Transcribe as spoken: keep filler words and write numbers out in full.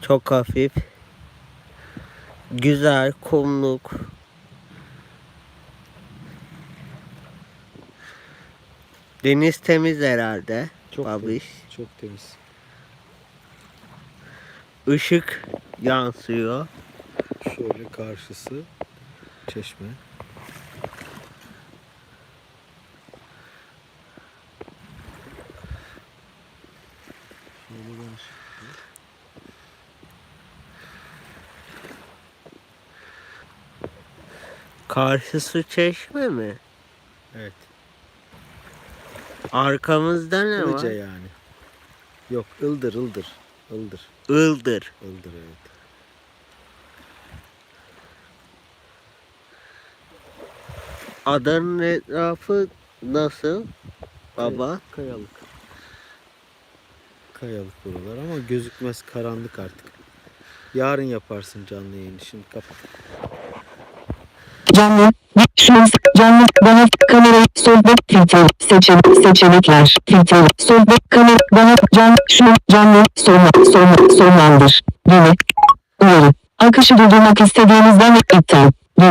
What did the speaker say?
Çok hafif. Güzel kumluk. Deniz temiz herhalde. Çok Babiş. temiz. Çok temiz. Işık yansıyor. Şöyle karşısı çeşme. Şöyle ben Karşısı çeşme mi? Evet. Arkamızda ne Ilıca var? yani. Yok, ıldır ıldır. Ildır. Ildır. Ildır evet. Adanın etrafı nasıl baba? Kayalık. Kayalık buralar ama gözükmez, karanlık artık. Yarın yaparsın canlı yayını, şimdi kapat. Canlı, şu an canlı, bana, kamera, solda, filtre, seçenek, seçenekler, filtre, solda, kamera, bana, can, şu an canlı, sonla, sonla, sonlandır, yine, uyarı, akışı durdurmak istediğinizden iptal.